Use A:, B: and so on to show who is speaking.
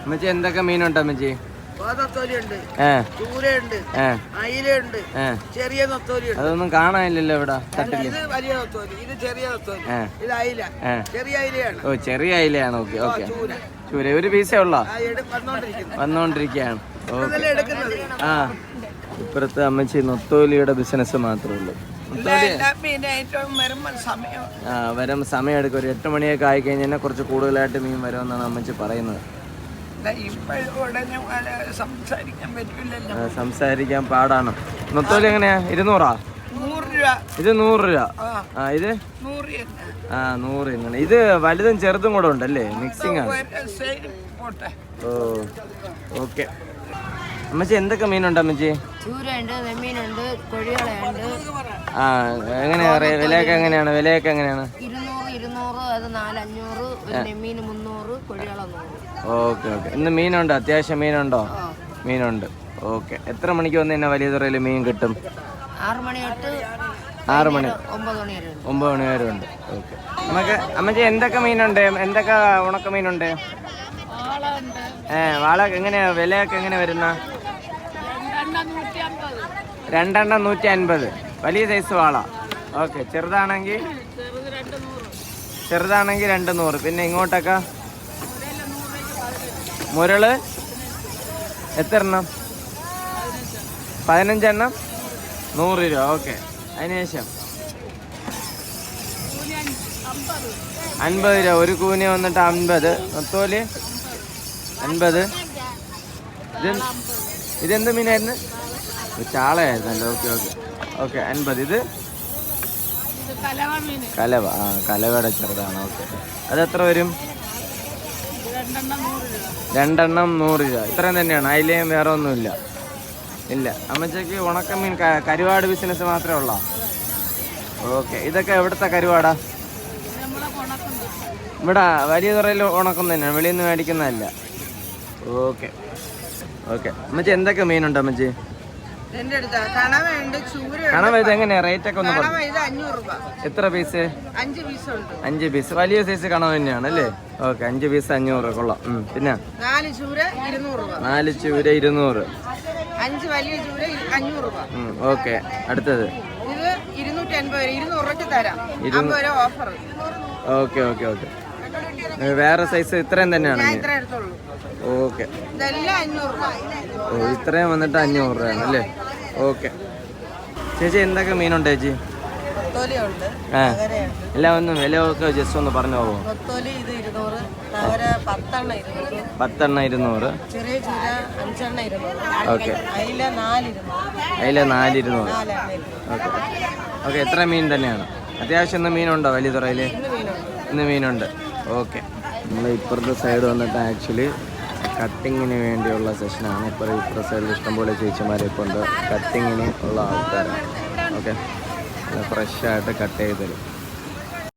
A: അമ്മച്ചി എന്തൊക്കെ മീനുണ്ട് അമ്മച്ചി?
B: ചെറിയ നത്തോലിയുണ്ട്.
A: അതൊന്നും കാണാനില്ലല്ലോ ഇവിടെ തട്ടില്.
B: ഇത് വലിയ നത്തോലി, ഇത് ചെറിയ നത്തോലി, ഇത് അയില. ചെറിയ അയിലയാണ്.
A: ഓ ചെറിയ അയിലയാണ്. Okay okay. ചൂര ഒരു പീസേ ഉള്ള വന്നോണ്ടിരിക്കുകയാണ്. ആ ഇപ്പുറത്ത് അമ്മച്ചി നൊത്തോലിയുടെ ബിസിനസ് മാത്രമേ ഉള്ളൂ. വരും സമയം എടുക്കും. ഒരു 8 മണിയൊക്കെ ആയി കഴിഞ്ഞാൽ കുറച്ച് കൂടുതലായിട്ട് മീൻ വരുമെന്നാണ് അമ്മച്ചി പറയുന്നത്. സംസാരിക്കാൻ പാടാണ്. നൊത്തോലി എങ്ങനെയാ? 200? ഇത് 100 രൂപ. ഇത് 100 ഇങ്ങനെ. ഇത് വലുതും ചെറുതും കൂടെ ഉണ്ടല്ലേ? മിക്സിംഗ് ആണ്. Oh okay. അമ്മച്ചി എന്തൊക്കെ മീനുണ്ട് അമ്മച്ചി? എങ്ങനെയാ വിലയൊക്കെ എങ്ങനെയാണ്?
C: 200.
A: Okay okay. ഇന്ന് മീനുണ്ടോ? അത്യാവശ്യം മീനുണ്ടോ? മീനുണ്ട്. ഓക്കെ. എത്ര മണിക്ക് വന്ന് തന്നെ വലിയ തുറയിൽ മീൻ കിട്ടും?
C: 6 മണി തൊട്ട്
A: 9 മണി വരെ ഉണ്ട്. ഓക്കെ. നമുക്ക് അമ്മച്ചി എന്തൊക്കെ മീനുണ്ട്? എന്തൊക്കെ ഉണക്ക മീനുണ്ട്? വാള എങ്ങനെയാ വിലയൊക്കെ എങ്ങനെ വരുന്ന? 2 150. വലിയ സൈസ് വാള. ഓക്കെ. ചെറുതാണെങ്കിൽ 200. പിന്നെ ഇങ്ങോട്ടൊക്കെ മുരള് എത്ര എണ്ണം? 15 എണ്ണം 100 രൂപ. ഓക്കെ. അതിനുശേഷം 50 രൂപ. ഒരു കൂനി വന്നിട്ട് 50. നത്തോലി 50. ഇതെന്ത് മീനായിരുന്നു? ചാളയായിരുന്നല്ലോ. Okay okay okay. 50. ഇത് കലവ. കലവയുടെ ചെറുതാണ്. ഓക്കെ. അതെത്ര വരും? 2 100 രൂപ. ഇത്രയും തന്നെയാണ്. അതിലേയും വേറെ ഒന്നുമില്ല. ഇല്ല. അമ്മച്ചക്ക് ഉണക്കമീൻ കരുവാട് ബിസിനസ് മാത്രമേ ഉള്ളൂ. ഓക്കെ. ഇതൊക്കെ എവിടുത്തെ കരുവാടാ? ഇവിടെ വലിയ തുറയിൽ ഉണക്കം തന്നെയാണ്. വെളിയിൽ നിന്ന് മേടിക്കുന്നതല്ല. Okay okay. അമ്മച്ചി എന്തൊക്കെ മീനുണ്ട് അമ്മച്ചി? കണവ ഇത് എങ്ങനെയാ റേറ്റ് ഒക്കെ ഒന്ന് പറഞ്ഞു? എത്ര പീസ്? 5 പീസ്. വലിയ സൈസ് കണവ തന്നെയാണ് അല്ലേ? ഓക്കെ. 5 പീസ് 500. കൊള്ളാം. പിന്നെ
C: 4 ചൂര 200.
A: 4 ചൂര 200.
C: 5 വലിയ ചൂര 500 രൂപ.
A: ഓക്കെ. അടുത്തത്
C: ഇത് 250. 200 രൂപയ്ക്ക് തരാം. 50 രൂപ ഓഫർ.
A: Okay okay okay. വേറെ സൈസ് ഇത്രയും തന്നെയാണ്? ഓക്കെ. ഓ ഇത്രയും വന്നിട്ട് 500 രൂപയാണ് അല്ലേ? ഓക്കെ. ചേച്ചി എന്തൊക്കെ മീനുണ്ട് ചേച്ചി? എല്ലാം ഒന്നും വില ഒക്കെ ജസ്റ്റ് ഒന്ന് പറഞ്ഞു പോകോ? 10 200. ഓക്കെ. അതിലെ 4 200. Okay okay. എത്ര മീൻ തന്നെയാണ്? അത്യാവശ്യം ഇന്ന് മീനുണ്ടോ വലിയ തുറയിൽ? ഇന്ന് മീനുണ്ട്. ഓക്കെ. നമ്മൾ ഇപ്പുറത്തെ സൈഡ് വന്നിട്ട് ആക്ച്വലി കട്ടിങ്ങിന് വേണ്ടിയുള്ള സെഷനാണ്. ഇപ്പുറത്തെ സൈഡിൽ ഇഷ്ടംപോലെ ചേച്ചിമാരൊക്കെ ഉണ്ട്. കട്ടിങ്ങിന് ഉള്ള ആൾക്കാരാണ്. ഓക്കെ. ഫ്രഷായിട്ട് കട്ട് ചെയ്ത് തരും.